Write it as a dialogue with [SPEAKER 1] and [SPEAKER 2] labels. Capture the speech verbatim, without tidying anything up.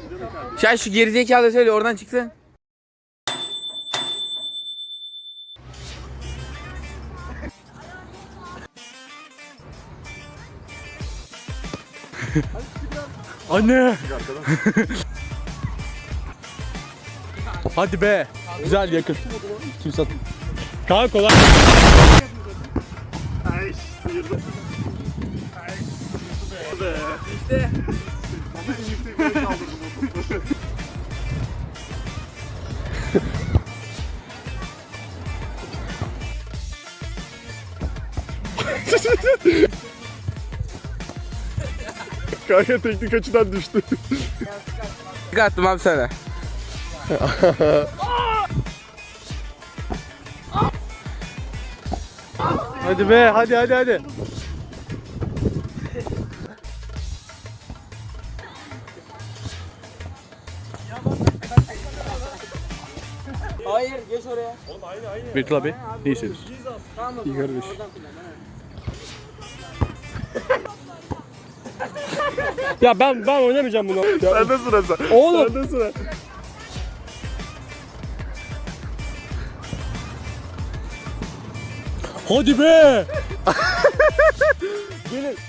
[SPEAKER 1] Sen şu gerizekalı söyle oradan çıksın.
[SPEAKER 2] Anne. Hadi be. Güzel yakın. Kimse at. Kanka kolay.
[SPEAKER 3] Ay sıyırdım. Ay sıyırdı be.
[SPEAKER 1] İşte.
[SPEAKER 3] Onu en yüksek yere kaldırdım o topu. Kanka teknik açıdan düştü.
[SPEAKER 1] Attım abi sana.
[SPEAKER 2] Hadi be, hadi hadi hadi.
[SPEAKER 1] Hayır geç oraya.
[SPEAKER 2] Bekle abi. Ne hissediyorsun?
[SPEAKER 1] Tamam
[SPEAKER 2] İyi kardeş. Ya ben ben oynamayacağım bunu. Ya,
[SPEAKER 3] Sende sıra sen.
[SPEAKER 2] Oğlum.
[SPEAKER 3] Sende sıra.
[SPEAKER 2] hadi be. Gelin.